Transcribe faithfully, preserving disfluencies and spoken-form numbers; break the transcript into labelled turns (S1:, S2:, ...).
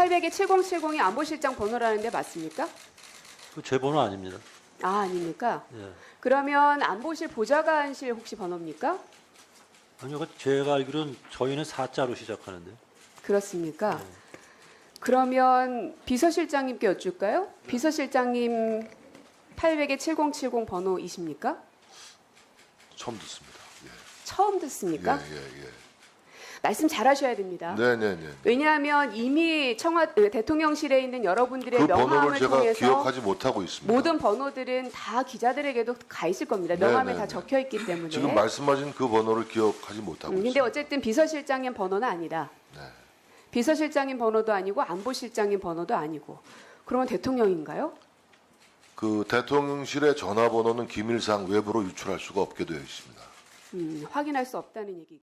S1: 팔백에 칠공칠공이 안보실장 번호라는데 맞습니까?
S2: 그 제 번호 아닙니다.
S1: 아, 아닙니까?
S2: 예.
S1: 그러면 안보실 보좌관실 혹시 번호입니까?
S2: 아니요, 그 제가 알기로는 저희는 사자로 시작하는데.
S1: 그렇습니까?
S2: 네.
S1: 그러면 비서실장님께 여쭐까요? 비서실장님 팔백에 칠공칠공 번호이십니까?
S3: 처음 듣습니다.
S1: 처음
S3: 예,
S1: 듣습니까?
S3: 예, 예.
S1: 말씀 잘하셔야 됩니다.
S3: 네, 네, 네.
S1: 왜냐하면 이미 청와 대통령실에 있는 여러분들의
S3: 그 번호를
S1: 명함을
S3: 제가
S1: 통해서
S3: 기억하지 못하고 있습니다.
S1: 모든 번호들은 다 기자들에게도 가 있을 겁니다.
S3: 네,
S1: 명함에
S3: 네,
S1: 다
S3: 네.
S1: 적혀 있기 때문에.
S3: 지금 말씀하신 그 번호를 기억하지 못하고
S1: 음, 근데
S3: 있습니다.
S1: 어쨌든 비서실장님 번호는 아니다.
S3: 네.
S1: 비서실장님 번호도 아니고 안보실장님 번호도 아니고. 그러면 대통령인가요?
S3: 그 대통령실의 전화번호는 기밀상 외부로 유출할 수가 없게 되어 있습니다.
S1: 음, 확인할 수 없다는 얘기.